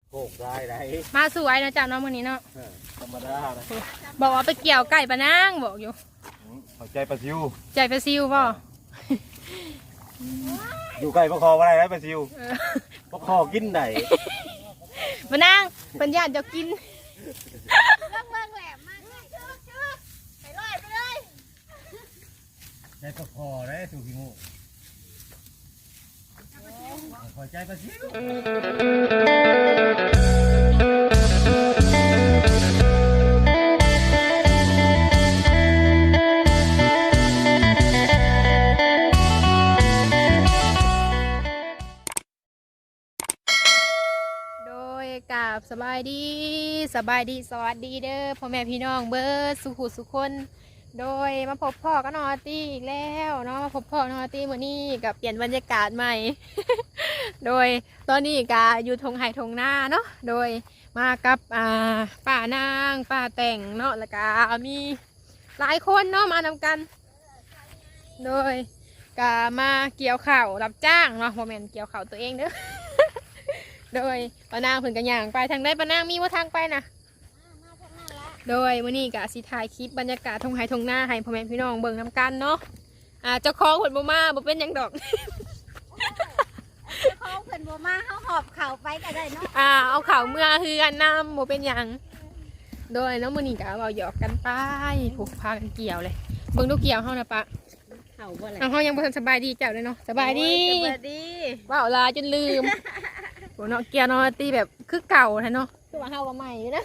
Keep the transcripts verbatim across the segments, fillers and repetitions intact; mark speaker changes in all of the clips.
Speaker 1: โคกได้ไร
Speaker 2: มาสวยนะจ๊ะน้องมื้อนี้เนาะ
Speaker 1: ธรรมดาเลย
Speaker 2: บอกว่าไปเกี่ยวไก่ปะนางบอกอยู่
Speaker 1: เข้าใจปลาซิว
Speaker 2: ใจปลาซิวป่ะ
Speaker 1: อยู่ไก่ปลาคออะไรนะปลาซิวปลาคอกินไหน
Speaker 2: ปะนางเป็นญาติจะกิน
Speaker 3: เรื่องเมืองแหลมมากเลยชื่อชื่อไปลอยไปเลย
Speaker 1: ใจปลาคอได้ถูกพี่งูขอใจปลาซิว
Speaker 2: กับสบายดีสบายดีสวัสดีเด้อพ่อแม่พี่น้องเบิร์ดสุขุสุคนโดยมาพบพ่อก็นอตี้อีกแล้วเนาะมาพบพ่อนอตี้มื้อนี้กับเปลี่ยนบรรยากาศใหม่ โดยตอนนี้ก็อยู่ทงไห่ทงหน้าเนาะโดยมากับอ่าป้านางป้าแต่งเนาะแล้วก็มีหลายคนเนาะมานำกันโดยก็มาเกี่ยวข่าวรับจ้างเนาะโมเมนต์เกี่ยวข่าวตัวเองเด้อโดยปานางเพิ่นกันอย่างไปทางได้ปานางมีว่าทางไปนะโดยมื้อนี้ก็สิถ่ายคลิปบรรยากาศทงไห้ทงหน้าให้พ่อแม่พี่น้องเบิ่งนำกันเนาะอ่าเจ้าของเพิ่นบ่มาบ่เป็นหยังดอก
Speaker 3: เจ้าของเพิ่นบ่มาเฮาหอบเข่าไปก็ได้เนาะ
Speaker 2: อ่าเอาข่าวเมื่อคือกันนำบ่เป็นหยังโดยเนาะมื้อนี้ก็เว้าหยอกกันไปผูกพากันเกี่ยวเลยเบิ่งดูเกี่ยวเฮานะปะ
Speaker 3: เข่าบ่ล่ะ
Speaker 2: เฮายังบ่ทันสบายดีเจ้าเลยเนาะสบายดี
Speaker 3: สบายดี
Speaker 2: ว้าวลาจนลืมโหเนาะเกียร์เนาะตีแบบคือเก่าแท้เนาะคือว่าเฮาว่าใหม่นะ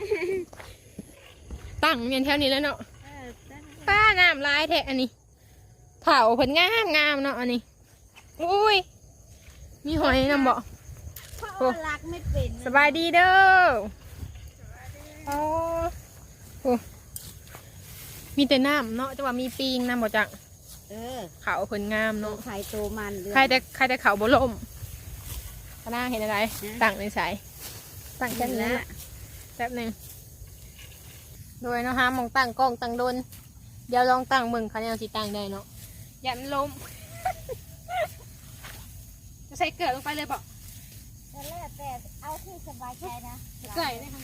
Speaker 2: ตั้งเมียนแถวนี้แล้วเนาะป้าน้ำลายแท้อันนี้เผาผลงามงามเนาะอันนี้อุ้ยมีหอยนำบ่
Speaker 3: โอ้รักไม่เป็น
Speaker 2: สบายดีเด้อโอ้โหมีแต่น้ำเนาะแต่ว่ามีปีงน้ำบ่จัง
Speaker 3: เออ
Speaker 2: เขาผลงามเนาะ
Speaker 3: ไข่โตมัน
Speaker 2: ใครแต่ใครแต่เขาบ่ล่มพนักเห็นอะไรตั้งในสายตั้งแค่นี้แป๊บหนึ่งโดยเนาะฮะมองตั้งกล้องตั้งโดนเดี๋ยวลองตั้งมึงเขาเนี่ยสิตั้งได้เนาะอย่ามันล้มจะใส่เกลือลงไปเลยบอก
Speaker 3: แต่แล้วแต่เอาที่สบายใจนะ
Speaker 2: ใส่เลยค่ะ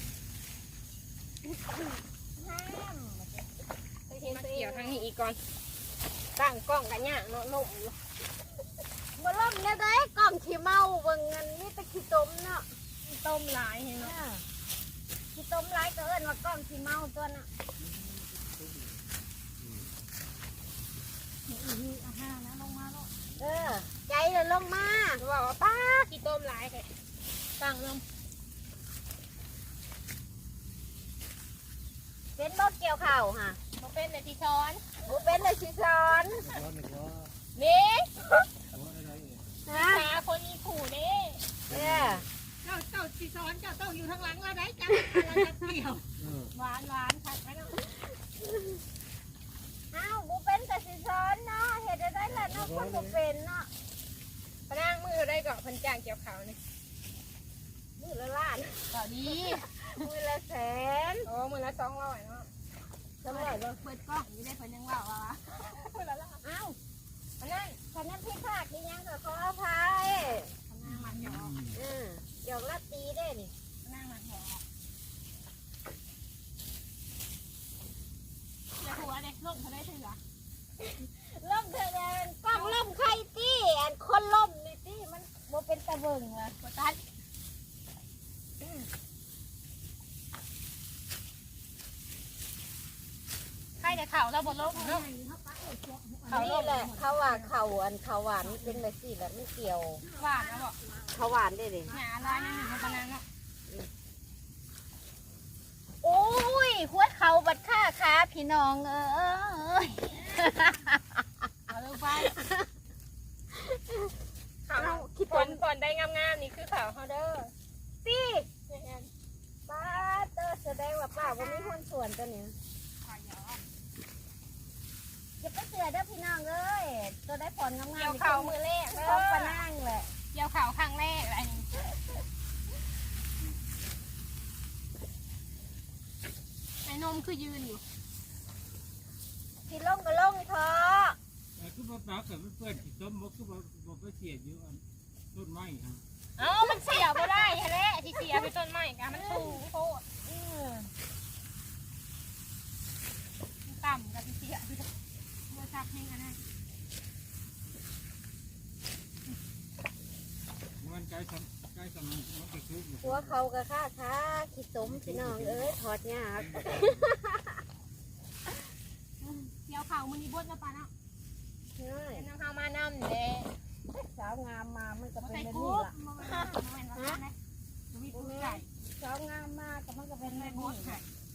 Speaker 2: มาเกี่ยวทางนี้อีกก่อนตั้งกล้องกันเนี่ยเนาะล้ม
Speaker 3: บ่ล่มเนี่ยได้กล่องขี้เมาเบิ่งเงินนี่ตะขี้ต้มเนาะ
Speaker 2: ต้มหลายเห็นเนาะ
Speaker 3: ขี้ต้มหลายก็เอิ้นว่ากล่องขี้เมาตัวน่ะนี่อาหารนะลงมาแล้วเออใจเลยลงมา
Speaker 2: บอกว่าป้าขี้ต้มหลายเลยตั้งลง
Speaker 3: เป็นบ่เกี่ยวข้าวค่ะ
Speaker 2: บ่เป็นเลยที่ช้อน
Speaker 3: บ่เป็นเลยที่ช้อน
Speaker 2: นี่
Speaker 3: ฮะ
Speaker 2: คนมีขู่นี่
Speaker 3: เนี่ย
Speaker 2: เจ้าเจ้าสีซ้อนเจ้าต้องอยู่ทางหลังเราได้จังเราจะเกี่ยวหวานหวานผัดไปเนาะ
Speaker 3: อ้าวบุเป็นแต่สีซ้อนเนาะเห็ดได้แหละเนาะคนบุเป็นเนาะ
Speaker 2: พนังมือได้เกาะพันจางเกี่ยวเขานี่
Speaker 3: มือละล้าน
Speaker 2: เกาะดี
Speaker 3: มือละแสน
Speaker 2: โอ้มือละสองร้อยเนาะ
Speaker 3: สองร้อยเ
Speaker 2: ปิดกล้องนี่ได้เพิ่นยังว่าวะ
Speaker 3: มือละล้านอ้าวพนังพนังพี่ภาคนี่ยังก็ขออภัย
Speaker 2: พนังมันหยอก
Speaker 3: เออหยอกลัดตีได้นี่
Speaker 2: พนังมันหยอกจะหัวเด็กล่มเขาได้ถึงหรอ
Speaker 3: ล่มเธอเลยกล้องล่มใครตี้อันคนล่มนี่ตี้มันโมเป็นตะเบิงว่ะ
Speaker 2: กดตัดใครแต่เข่าเราบนล่มเนาะ
Speaker 3: นี่แหละเขาว่าเขาอันเขาหวานเป็นแบบสี่แบบไม่เกี่ยว
Speaker 2: หวานนะบอก
Speaker 3: เขาหวานได้เลย
Speaker 2: หาอะไรนั่นหนึ่งพนังเนาะ
Speaker 3: โอ้ยหัวเขาบัดค่าขาพี่น้องเอ้ย
Speaker 2: เอาลงไปข่าวคิดผลก่อนได้งามๆนี่คือข่าวเขาเด้อ
Speaker 3: ตี้ป้าเตอร์แสดงว่าป้าว่ามีคนส่วนตัวเนี้ยจะไปเสือเด้อพี่น้องเอ้ยตัวได้ผลงามๆเกี่
Speaker 2: ยวข่าวมือแรก
Speaker 3: เขาปะนั่งแหละ
Speaker 2: เกี่ยวข่าวครั้งแรกอะไรนี่ไอ้นมคือยืนอยู่
Speaker 3: กินล่งก็ล่งเถอะ
Speaker 1: คือบ่ปากกับมันเปื้อนขี้ต้มบ่คือบ่บ่ไปเสียอยู่อันต้นไม้ฮะ
Speaker 2: เอ้ามันเสียบ่ได้แหละสิเสียไป
Speaker 3: หัวเขากะค่าค้าขี้ตมพี่น้องเอ้ยถอดยาก
Speaker 2: เกี่ยวเข่ามันนี่บดนะปะเนาะ
Speaker 3: เฮ้ย
Speaker 2: เป็นน้ำข้าวมาน้ำเด้
Speaker 3: สาวงามมามันก็เป็น
Speaker 2: ใส่
Speaker 3: แบบ
Speaker 2: กุ๊
Speaker 3: นี้
Speaker 2: บ
Speaker 3: ล่ะ
Speaker 2: มาแม่นว่าไงมีกุ๊บไก่
Speaker 3: สาวงามมาก็มันก็เป็นแบบ
Speaker 2: บ
Speaker 3: นี้
Speaker 2: ดไก่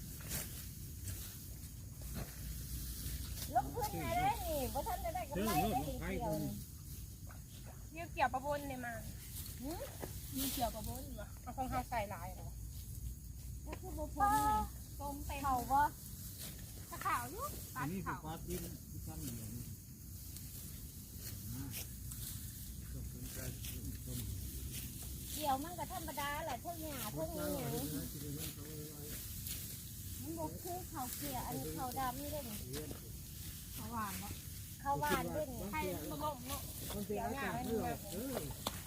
Speaker 3: ลงทุนไงได้นี่บ่ทันได้ได้กำไรได้นี่เกี่ยวนี่
Speaker 2: เกี่ยวเกี่ยวประบนเลยมามีเกี่ยวประบนวะเอาของข้าวใส่ลายเหรอ
Speaker 3: ก็คือบ่พ้นนี่
Speaker 2: ต้มเต็ม
Speaker 3: เขาบ่
Speaker 2: ถ้าขาวอยู่ปลา
Speaker 1: นี่คือ
Speaker 2: ขาว
Speaker 1: ปลาที่ที่ทำอย่างนี้นะก็เป็นการต้ม
Speaker 3: เกี่ยวมันก็ธรรมดาแหละเท่าหญ้าเท่านี้หยังมันบ่คือข้าวเกี่ยวอันนี้ข้าวดำนี่เด้นี่
Speaker 2: ขาวหวานเนาะ
Speaker 3: ข้าวหวานเด้นี่
Speaker 2: ให้ต้มลงเนาะ
Speaker 1: มันเป็นอากาศเลือดเออ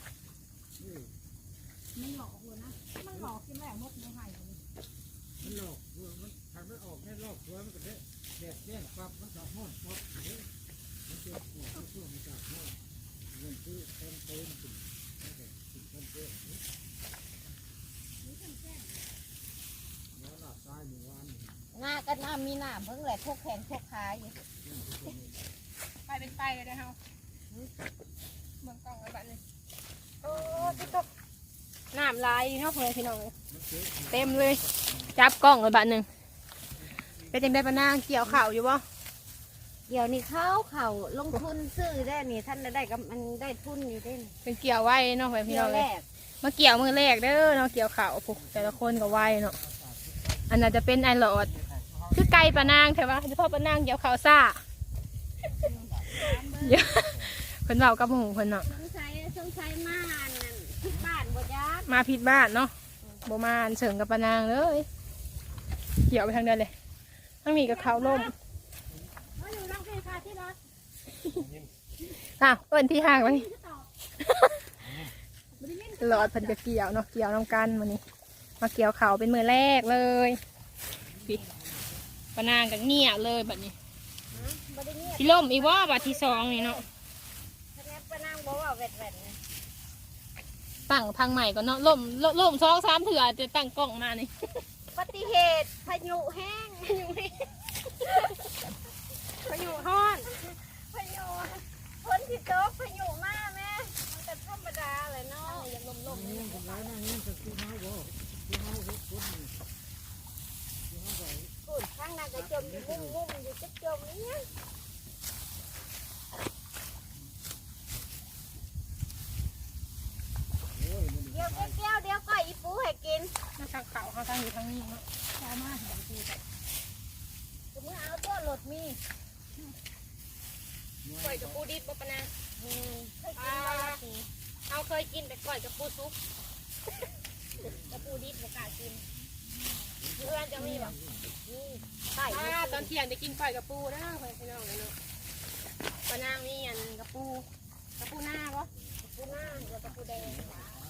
Speaker 2: มันหลอกเลยนะมันหลอกกินแม่มดไม่ให้เลย
Speaker 1: มันหลอกมันทางนั้นออกแค่หลอกตัวมันก็ได้แดดแย่งปั๊บมันก็ห้อนปั๊บมันจะหัวมันช่วงมันจะห้อนมันคือเต็มเต็มถึงถึงเต็มเต็มแล้วหลับตายหนึ่งวัน
Speaker 3: หน้าก็น้ำมีน้ำเพิ่งแหละพวกแขนพวกขาอยู่
Speaker 2: ไปเป็นไปเลยนะเฮาเมืองกล้องไว้บ้านเลยโอ้พี่ตกน้ำลายเนาะเพื่อนพี่น้องเต็มเลยจับกล้องไว้บ้านหนึ่งเป็นจังได้ปะนางเกี่ยวข่าวอยู่บ่
Speaker 3: เกี่ยวนี่เข้าเขาลงทุนซื้อได้นี่ท่านได้กับมันได้ทุนอยู่ได้นี่
Speaker 2: เป็นเกี่ยวไว้เนาะเพื่อนพี่
Speaker 3: เกี่
Speaker 2: น้
Speaker 3: ย
Speaker 2: อ
Speaker 3: ว
Speaker 2: ง
Speaker 3: แร
Speaker 2: เลย
Speaker 3: ก
Speaker 2: มาเกี่ยวมือแรกเด้อเนาะเกี่ยวข่าวพวกแต่ละคนก็ไว้เนาะอันนั้นจะเป็นไอหลอดคือไก่ปะนางใช่ปะเฉพาะปะนางเกี่ยวข่าวซ่าเยอะเพิ่นเว้ากับหมู่เพิ่นเนาะ
Speaker 3: สงสัยสงสัยมาอันนั้นที่บ้านบ่ยัก
Speaker 2: มาผิดบ้านเนาะบ่มาอันเสริงกับปะนางเลยเกี่ยวไปทางเดินเลยทั้งนี้กับเขาล่ม
Speaker 3: มาอยู่น้องเพคาที่รถ
Speaker 2: อ้าวเอิ้นที่ห่างวะนี่หลอดเพิ่นก็เกี่ยวเนาะเกี่ยวน้ำกันมื้อนี้มาเกี่ยวเขาเป็นมือแรกเลยพี่ปะนางก็เงียบเลยบัดนี้
Speaker 3: บ่ได้เงียบ
Speaker 2: ที่ล่มอีกว่าบัดที่สองนี่เนาะ
Speaker 3: คะแนนปะนางบ่ว่าแวดๆนะ
Speaker 2: ตั้งทางใหม่ก่อนเนาะล่มล่มล่มสองสามเถื่อจะตั้งกล้องมานี่
Speaker 3: ปฏิเหตุพายุแห้ง
Speaker 2: พายุพายุฮ้อน
Speaker 3: พายุฝนที่ตกพายุมาแม่มันก็ธรรมดาเลยเนาะยังลมๆ
Speaker 1: นี่
Speaker 3: นี่
Speaker 1: คนร้ายนั่งนี่จะซื้อเมาบ่ซื้อเมาหกคนนี่ซื้อเมาใส่
Speaker 3: พูดข้างนั้นก็จมอยู่งุ่มๆอยู่จะจมนี่
Speaker 1: โอ้ยมัน
Speaker 3: เดี๋ยวเกี้ยวเดี๋ยวก็อีปูให้กิน
Speaker 2: มาทางเขาเขาทางอยู่ทางนี้เนาะชาวมาเห็นทีแต่
Speaker 3: จะมือเอาตัวหลดมี
Speaker 2: ก่อยกับปูดิบบ่ปะนะ
Speaker 3: อืมเคยกินมาแล้วสิ
Speaker 2: เอาเคยกินแต่ก่อยกับปูซุปกับปูดิบบ่กล้ากินเพื่อนจะมีบ่
Speaker 3: นี่ไข่
Speaker 2: อ่าตอนเที่ยงจะกินก่อยกับปูนะเพื่อนพี่น้องเลยเนาะปะนางมีอันกับปูกับปูหน้าบ่
Speaker 3: ปูหน้าแล้วก็ปูแดง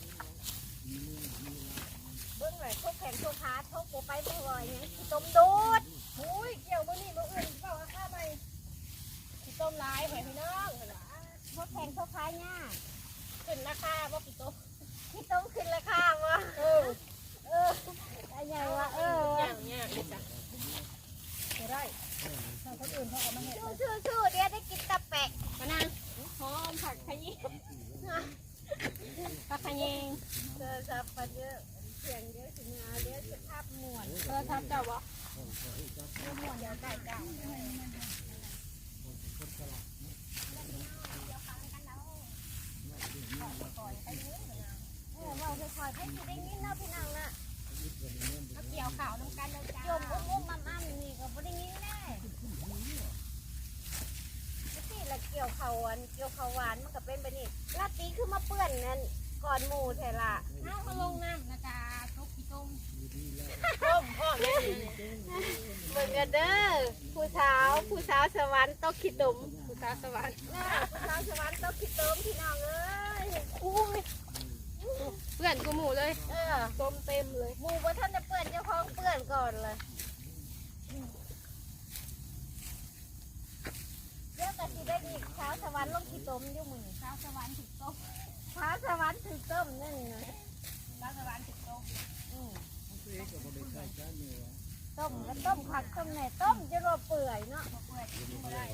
Speaker 3: เบิ้งเลยทุกแขนทุกขาทุกปูไปไม่ไหวเนี่ยต้มดูด
Speaker 2: อุ้ยเกี่ยวมื้อนี้มื้ออื่นเปล่าข้าไปสิต้มลายเพื่อนพี่น้องเพิ่นว่า
Speaker 3: ทุกแขนทุกขาเนี่ย
Speaker 2: ขึ้นราคาบ่พี่โต
Speaker 3: ที่ต้มขึ้นราคาวะ
Speaker 2: เออ
Speaker 3: เอออะไรวะเออ
Speaker 2: อย่างเงี้ยนี่จ้ะจะได้ถ้าคนอื่นเขาเอามาเห็ด
Speaker 3: ชู้ชู้ชู้เดี๋ยวได้กินตะแปะ
Speaker 2: มะนาวหอมผักขยี้ผักขยี้
Speaker 3: เจอสับปะเยอะเสียงเยอะถึงเอาเดี๋ยวจะทับหมวน
Speaker 2: เออทำเจ้าบ่
Speaker 3: หมวนเดี๋ยวไก่เก่าเออเราจะคอยให้ที่ได้ยินเนาะพี่น้องน่ะ
Speaker 2: มาเกี่ยวข่าวน้ำกันเลยจ้า
Speaker 3: จมอุ้มอุ้มมั่มมั่มนี่ก็บ่ได้ยินแน่ที่ละเกี่ยวเขาอันเกี่ยวเขาหวานมันก็เป็นแบบนี้ลาตีคือมาเปื้อนนั่นก่อนหมูแท้ละ
Speaker 2: น้ำมาลงน้ำนะจ๊ะทุกขี้ต้มต้มพ่อแม่เนี่ย
Speaker 3: เบิ่งกันเด้อผู้สาวผู้สาวสวรรค์ต้องคิดดม
Speaker 2: ผู้สาวสวรรค์
Speaker 3: น่ะผู้สาวสวรรค์ต้องคิดดมพี่น้องเอ้ย
Speaker 2: อุ้ยเพื่อนกูหมูเลย
Speaker 3: เออ
Speaker 2: ต้มเต็มเลย
Speaker 3: หมูว่าท่านจะเปื้อนเจ้าของเปื้อนก่อนเลยเดี๋ยวกะสิได้ดีสาวสวรรค์ลงคิดดมอยู่มื้อนี้
Speaker 2: สาวสวรรค์ถึกต้ม
Speaker 3: สาวสวรรค์ถึงต้มนั่นนะ
Speaker 2: สาวสวรรค์ถึกต้ม
Speaker 3: เต้มแล้วต้มผักต้มแหน่ต้มจะรอเปื่อยเนาะเปื่อยกินบ่ได้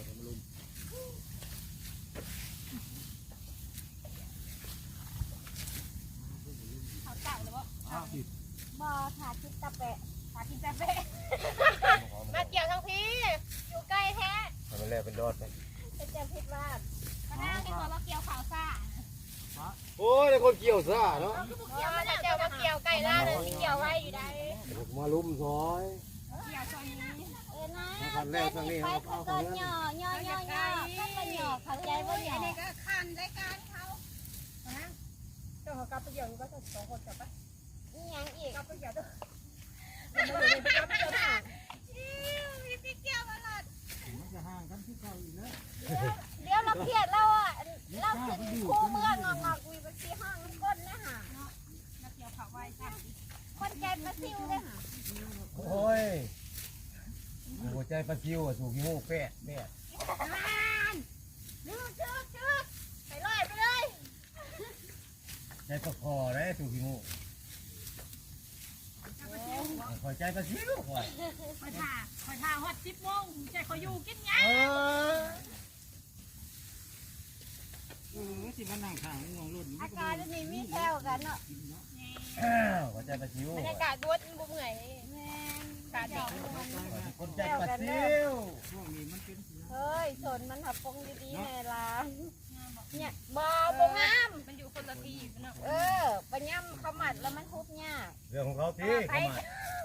Speaker 3: เขาเก่าเลยบ่
Speaker 1: อ้าวผิด
Speaker 3: บ่ถาคิดตะแปะถาคิดตะแปะ
Speaker 2: มาเกี่ยวทั้งพี่อยู่ใกล้แท้
Speaker 4: มันแรกเป็นยอดไป
Speaker 3: เป็นจะพิดว่า
Speaker 2: มานั่งที่ตัวมาเกี่ยวข่าวซ่า
Speaker 4: โอ้ยคนเกี่ยวซ่าเนาะ
Speaker 2: เกี่ยวมาเกี่ยวมาเกี่ยวไก่ล่าเลยที่เกี่ยวไว้อยู่ได้
Speaker 4: มาลุ่มซอย
Speaker 2: เกี่ยวซอยนี้
Speaker 3: เออนะแม่นี่ไปเขาก็ย่อย่อย่อย่อเขาก็ย่อเข้าใจว่าย่อ
Speaker 2: นี่ก็คันรายการเขาเจ้าของกับไปเกี่ยวก็จะสองคนจับปะ
Speaker 3: นี่ยังอีก
Speaker 2: กับไปเกี่ยวด้วยมันไม่ได้ไปกับไปเกี่ยวหน้ามีพี่เกี่ยวตลอด
Speaker 1: มันจะห่างกันที่เก่าอีกแล้ว
Speaker 3: เดี๋ยวเราเครียดเราอ่ะเราขึ้นคู่เมื่องอกๆวีไปที่ห้างน้ำก้นนะฮะ
Speaker 2: มาเกี่ยวข่าวไว้จ้ะ
Speaker 3: คนใจมาซิวเลยฮะ
Speaker 4: โอ้ยหัวใจปลาซิวอ่ะสูงขี้มูกแปะแม่
Speaker 3: นึกชึกชึกไปลอยไปเลย
Speaker 4: ใจปลาคอได้สูงขี้มูกหัวใจปลาซิวหัว
Speaker 2: คอยท่าคอยท่าฮอดสิบโมงใจคอยอยู่กินไง
Speaker 4: เออ
Speaker 1: เออสิมันนั่งข้างงงรุ่น
Speaker 3: อาการนี่มีแถวกันเนาะ
Speaker 4: หัวใจปลาซิว
Speaker 2: บรรยากาศดวดบุ้มเหนื่อย
Speaker 3: แม่น
Speaker 2: กาดเด็ก
Speaker 4: คนใจปลาซิว
Speaker 1: ช่วงนี้มันเป็น
Speaker 3: เฮ้ยสนมันหับปงดีๆในร้านเนี่ยบอ
Speaker 2: เอา
Speaker 3: บ
Speaker 2: บ
Speaker 3: งาม
Speaker 2: มันอยู่คนละที่เนาะ
Speaker 3: เออปัญญามเขาหมัดแล้วมันทุบยาก
Speaker 4: เรื่องของเขาที่เขามา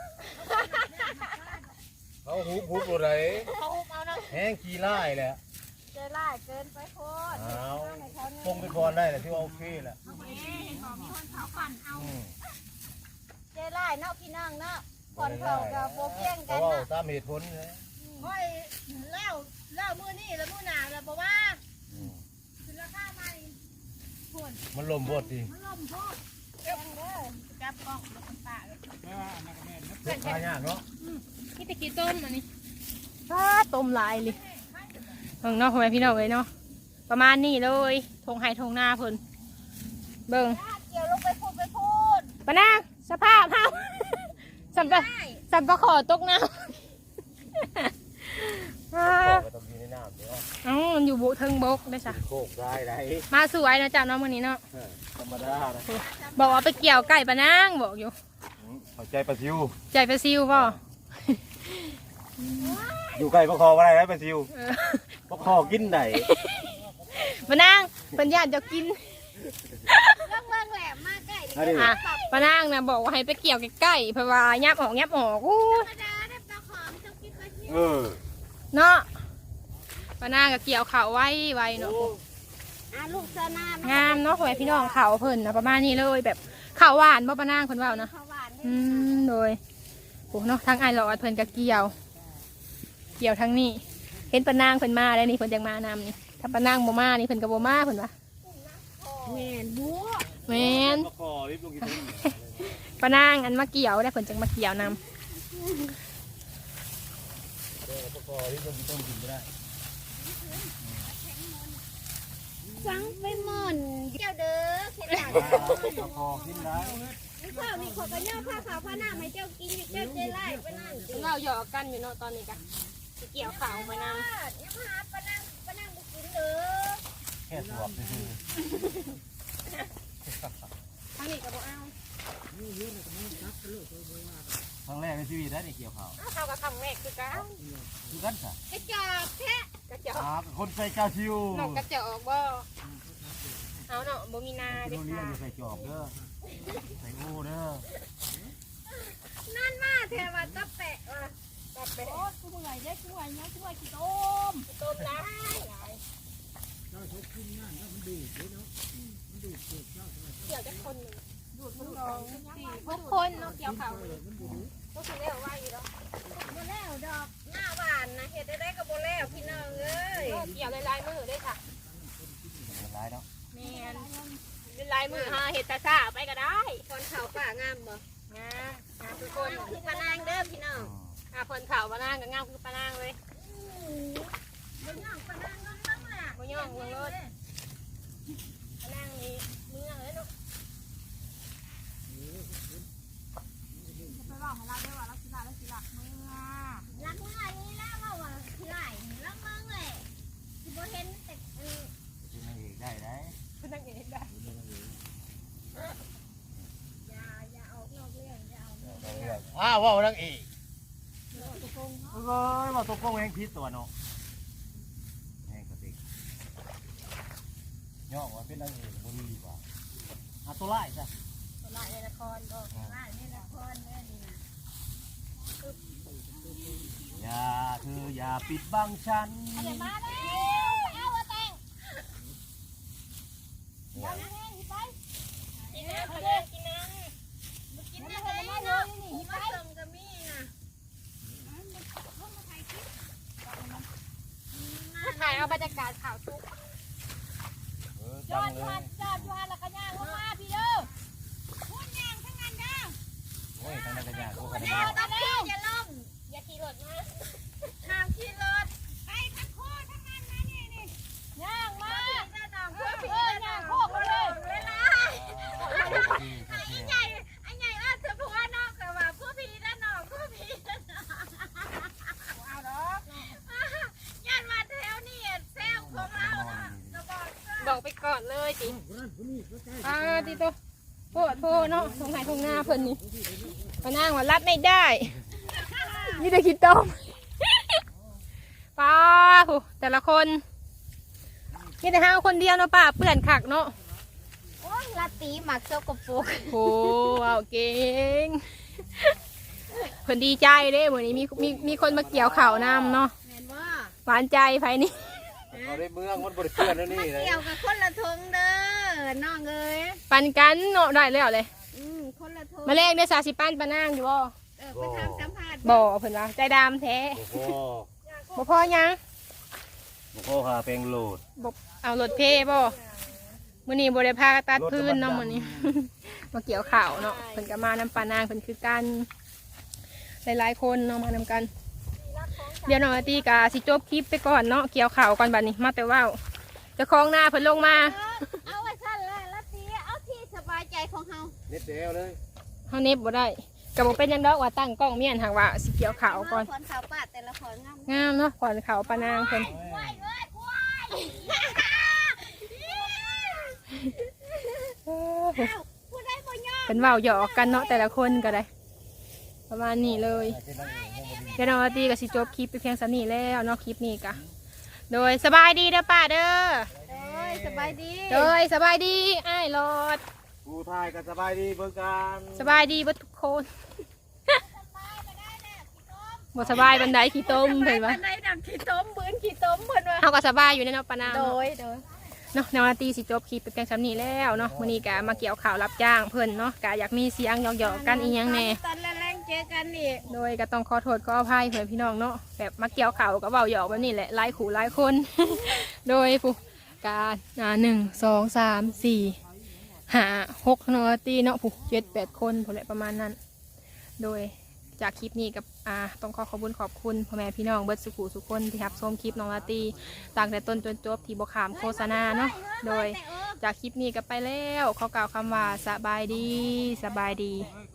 Speaker 4: เขาหูบหูบอะไร
Speaker 2: เขาหุบเอาเนาะ
Speaker 4: แห้งขี้ไล่แหละ
Speaker 3: เจอล่าเกินไปโคตร
Speaker 4: เอา
Speaker 3: ในเขาเนี่ย
Speaker 4: คงไปก่อนได้แหละที่ว่าโอเคแหละ
Speaker 2: เห็นบอกมีคนเขาปั่นเอา
Speaker 4: อืม
Speaker 3: เจอล่าเนาะพี่น้องเนาะก่อนเขากับโบเพียง
Speaker 4: เพ
Speaker 3: กัน
Speaker 4: ราะว่า
Speaker 3: เนาะ
Speaker 4: ตามเหตุผลเลย
Speaker 2: ค่อยเล่าเล่ามือนี่แล้วมือหนาแล้วบอกว่า
Speaker 4: อืม
Speaker 2: คือราคาใหม่ผล
Speaker 4: มันลมบดดิ
Speaker 2: มันล่มโทษ
Speaker 3: เพียงเด้อ
Speaker 2: จับกล้องแล้วคนตาเลย
Speaker 1: แม่ว่าอันนั้นก็แม่นะ
Speaker 4: เพื่อนพายากเนาะ
Speaker 2: นี่ตะกี้ต้มอันนี้ถ้าต้มลายเลยเบิ่งเนาะพ่อแม่พี่น้องเลยเนาะประมาณนี้เลยทงไห้ทงหน้าเพิ่นเบิ่ง
Speaker 3: เกี่ยวลงไปพูดไปพูด
Speaker 2: ปะนางสภาพเฮาสัมปะสัมปะขอตกน้ำ
Speaker 4: บอกไปตรงนี้ในน้ำเนาะ
Speaker 2: อ๋อมันอยู่บุเทิงบกได้จ้ะ
Speaker 4: โคกได้ไร
Speaker 2: มาสวยนะจ๊ะน้องวันนี้เนาะ
Speaker 4: ธรรมดานะ
Speaker 2: บอกว่าไปเกี่ยวไก่ปะนางบอกอยู่
Speaker 4: หัวใจปลาซิว
Speaker 2: ใจไปซิวป่ะ
Speaker 4: อยู่ใกล้ปลาคออะไรนะปลาซิว
Speaker 2: เออ
Speaker 4: ปลาคอกินไหน
Speaker 2: ปะนางเป็นญาติจะกิน
Speaker 3: เรื่องเมืองแหลมมากใกล้
Speaker 4: อันนี้
Speaker 2: อ่ะปะนางนะบอกว่าให้ไปเกี่ยวใกล้ๆเพราะว่ายับออกยับออกอู้
Speaker 3: ธรรมดาได้ปลาขอมต้องกินปลาชิว
Speaker 4: เออ
Speaker 2: เนาะปะนางก็เกี่ยวเขาไว้ไว้เนาะ
Speaker 3: อ่ะลูกเสนาม
Speaker 2: งามเนาะพ่อแม่พี่น้องเขาเพิ่นนะประมาณนี้เลยแบบเขาหวานบ่ปะนางเพิ่นเว่านะ
Speaker 3: ข้าวหวาน
Speaker 2: อืมโดยโอ้เนาะทั้งไอหลอดเพิ่นก็เกี่ยว เกี่ยวทั้งนี้ เห็นปะนางเพิ่นมาแล้วนี่เพิ่นจังมานำนี่ถ้าปะนางบ่มานี่เพิ่นก็บ่มาเพิ่นว่า
Speaker 3: แม่นบัว
Speaker 2: แม่น
Speaker 4: ปลาคอรีบลงกิน
Speaker 2: ปะนางอันมาเกี่ยวได้เพิ่นจังมาเกี่ยวนำ
Speaker 4: ปลาคอรีบลงกินต้มกินไม่ได้
Speaker 3: ฟังไปหม่อนเจ้าเด้อเข็ดหลัง
Speaker 4: ปลาคอกินได้
Speaker 3: นี่ข้าวนี่ขอกระย่อผ้าขาวผ้าหน้าให้เจ้ากินอยู่เจ้าเจ้าไล่ไปนั่งกิน
Speaker 2: เราหยอกกันอยู่เนาะตอนนี้กะสิเกี่ยวข่าวมาน
Speaker 3: ยังมาหาปะนั่งปะนั่งบุกินเด้อ
Speaker 4: แค่ตัวคือ
Speaker 2: ำทางนี้ก็บ่เอา
Speaker 1: นี่เยอะเลยก็ไม่จับกันเลยตัวว่า
Speaker 4: ครั้งแรกในชีวิตนะนี่เกี่ยวข้าว
Speaker 2: เอาเข้ากับคำแรกคือกัน
Speaker 4: คือกันค่ะ
Speaker 3: กระจอกแท้
Speaker 2: กระจอก
Speaker 4: อ่าคนใส่กาชิวน
Speaker 2: อกกระจอกบ่เอาเนาะบ่มีนา
Speaker 4: โร
Speaker 2: เด้
Speaker 4: เรีย
Speaker 2: ค่ะ
Speaker 4: นใส่จอบเด้อใส่โอ้เด้อ
Speaker 3: นั่นมาแทว่าตะแปะว่ะตะแปะ
Speaker 2: โอ้คือบ่ไหวเด้คือไหวเนาะคือไหวขี้ต้ม
Speaker 3: ต้มน้
Speaker 1: เจ้าชกขึ้นงานแล้วมันดูดเลยเนาะมันดูดเกิดเจ้าสมัย
Speaker 2: เกี่ยวจักคนหนึงดูดมันสองสี่หกคนเนาะเกี่ยวข่าว
Speaker 1: เกิดมันดูด
Speaker 2: ก็คือเรียกว่าอยู่แล้ว
Speaker 3: ำบ่แล้วดอกหน้าหวานนะเฮ็ดได้ได้ก็บ่แล้วพี่น้องเอ้ย
Speaker 2: เกี่ยวลายๆมือด้วยค่ะ
Speaker 4: มันร้ายเนาะ
Speaker 2: แม่นเป็นลายมือหาเฮ็ดตาซ่าไปก็ได้
Speaker 3: คนเขาป่างามบ่
Speaker 2: งามงามทุกค
Speaker 3: คน นคือปะนางเด้อพี่น้อง
Speaker 2: อ่ะเพิ่นข่าวปะนางก็งามคือปะนางเลย
Speaker 3: บ่ย่องปะนางน้องๆล่ะ
Speaker 2: บ่ย่องเบิ่งรถปะนางนี่เมืองเลยลูกไปบอกให้เราด้วยว่าเราสิลาเราสิลักเมือง
Speaker 4: อ้าวว่านังเอกโอ้ยว่าตกลงแหงพิษตัวเนาะแหงกระติกย่อว่าเป็นนางเอกบ่ดีกว่าหาตัวไล่จ้ะ
Speaker 3: ตัวละในละครก็ละในละครเนี่ยนี่นะ
Speaker 4: อย่าเธออย่าปิดบังฉัน
Speaker 3: เอาเดี๋ยวมาแล้วเอาว่าแต่งเอาแห้งไปกินน้ำเลยกินน้ำกินน้ำเลยเนาะหิมะส่งจะมีนะ
Speaker 2: ถ่ายเอาบรรยากาศข่าวทุก
Speaker 4: เออ
Speaker 3: จ
Speaker 4: จั
Speaker 3: อง ด
Speaker 4: เล
Speaker 3: จอด
Speaker 4: ย
Speaker 3: จอดจอดแล้วก็ย่างลงมาพี่เด้อพูดย่างทั้งนั้นเด้อ
Speaker 4: โอ้ยทางนั้นก็ยากพวกกัน
Speaker 3: เดี๋
Speaker 4: มา
Speaker 3: ยวตอนนี้อย่าล้มอย่าขี่รถนะห้ามขี่รถไปทั้งโคทั้งนั้นนะนี่นี่ย่างมาเออย่างโคกเลยเวลาไอ้ใหญ่ไอ้ใหญ่ว่าจะพูดว่านอกแต่ว่าผู้พี่ด้านนอกผู้พี่ด้านนอกเอาดอกย่านมาแถวนี่แซวของเรานะจะบอก
Speaker 2: บอกไปก่อนเลยจิ
Speaker 1: คนนั้นคนนี้ก็ใกล้
Speaker 2: อ่าติโตโพดโพดเนาะทงไหนทงหน้าเพิ่นนี่ปานางว่ารับไม่ได้นี่ได้คิดต้มป้าโหแต่ละคนนี่แต่ห้าคนเดียวเนาะป้าเปื่อนขักเนาะ
Speaker 3: โอ้ยลาตีหมักเซลกบปุก
Speaker 2: โหเอาเก่งเพิ่นดีใจเด้มื้อนี้มีมีมีคนมาเกี่ยวข่าวนำเนาะ
Speaker 3: เห็นว่า
Speaker 2: หวานใจไผนี่
Speaker 4: เขาได้เมืองมันบริเพื่อนแล้วนี่เลย
Speaker 3: เกี่ยวกับคนละทงเด้อน้องเอ้ย
Speaker 2: ปันกันเนาะได้แล้วเลย
Speaker 3: อืมคนละทง
Speaker 2: มาแลกได้สาสิปันปานางอยู่บ่
Speaker 3: เออไปทำสัมภาษณ์
Speaker 2: บ่เพิ่นว่าใจดำแท้
Speaker 4: โอ้โห
Speaker 2: บ่พอยัง
Speaker 4: โอ้โหหาเพลงโหลด
Speaker 2: บ่เอารถเพบ่มื้อนี้บ่ได้พาตัดพื้นเนาะมื้อนี้ มาเกี่ยวข่าวเนาะเพิ่นก็มานำปานางเพิ่นคือกันหลายๆคนเนาะมานำกัน เดี๋ยวน้องอาตีกาสิจบคลิปไปก่อนเนาะเกี่ยวข่าวก่อนบัดนี้มาแต่ว่าวเจะคล้าของหน้าเพิ่นลงมา
Speaker 3: เอาไว้สั้นเลยลาตีเอาที่สบายใจของเฮา
Speaker 4: เน็ตเดวเลย
Speaker 2: เฮาเน็บบ่ได้ก็บ่เป็นหยังดอกว่าตั้งกล้องเมียนหากว่าสิเกี่ยวข่าวก่อน
Speaker 3: คนข่าวปาดแต่ละคนงาม
Speaker 2: งามเนาะก่อนข่าวปานางเพิ่น
Speaker 3: กล้วยเอ้ยกล้วยผู้ใดบ่ยอม
Speaker 2: เป็นเว้าหยอกกันเนาะแต่ละคนก็ได้ ประมาณนี้เลย เดี๋ยวน้องอาตีก็สิจบคลิปไปเพียงสนี้แล้วเนาะคลิปนี้ก็โดยสบายดีเด้อป้าเด้อ
Speaker 3: เอ้ยสบายดี
Speaker 2: โดยสบายดีอ้ายรอด
Speaker 4: กูทายกันสบายดีเบิ่งกัน
Speaker 2: สบายดีเบ่ทุกคนบ่สบายบันไดขี้ต้มเพิ่นว่า
Speaker 3: บันไดดังขี้ต้มบืนขี้ต้มเพิ่นว่า
Speaker 2: เฮาก็สบายอยู่ในเนาะปานาง
Speaker 3: โด
Speaker 2: เนาะ
Speaker 3: ยโดย
Speaker 2: เนาะน้องอาตีสิจบคลิปไปเพียงสนี้แล้วเนาะมื้อนี้ก็มาเกี่ยวข่าวรับจ้างเพิ่นเนาะก็อยากมีเสียงหยอกๆกันอีหยังแหน่
Speaker 3: ตอนแรงๆเจอกันอีก
Speaker 2: โดยก็ต้องขอโทษขออภัยเพื่อนพี่น้องเนาะแบบมาเกี่ยวข่าวก็เบาหยอกแบบนี้แหละหลายขู่หลายคน โดยผู้การอ่าหนึ่งสองสามสี่ห้าหกเนาะตีเนาะผู้เจ็ดแปดคนผู้แหละประมาณนั้น โดยจากคลิปนี้กับอ่าต้องขอขอบคุณขอบคุณพ่อแม่พี่น้องเบิร์ดสุขุสุขคนที่รับชมคลิปน้องลาตีต่างแต่ต้นจนจบที่บขามโฆษณาเนาะโดยจากคลิปนี้ก็ไปแล้วขอกล่าวคำว่าสบายดีสบายดี
Speaker 1: เฮ้ย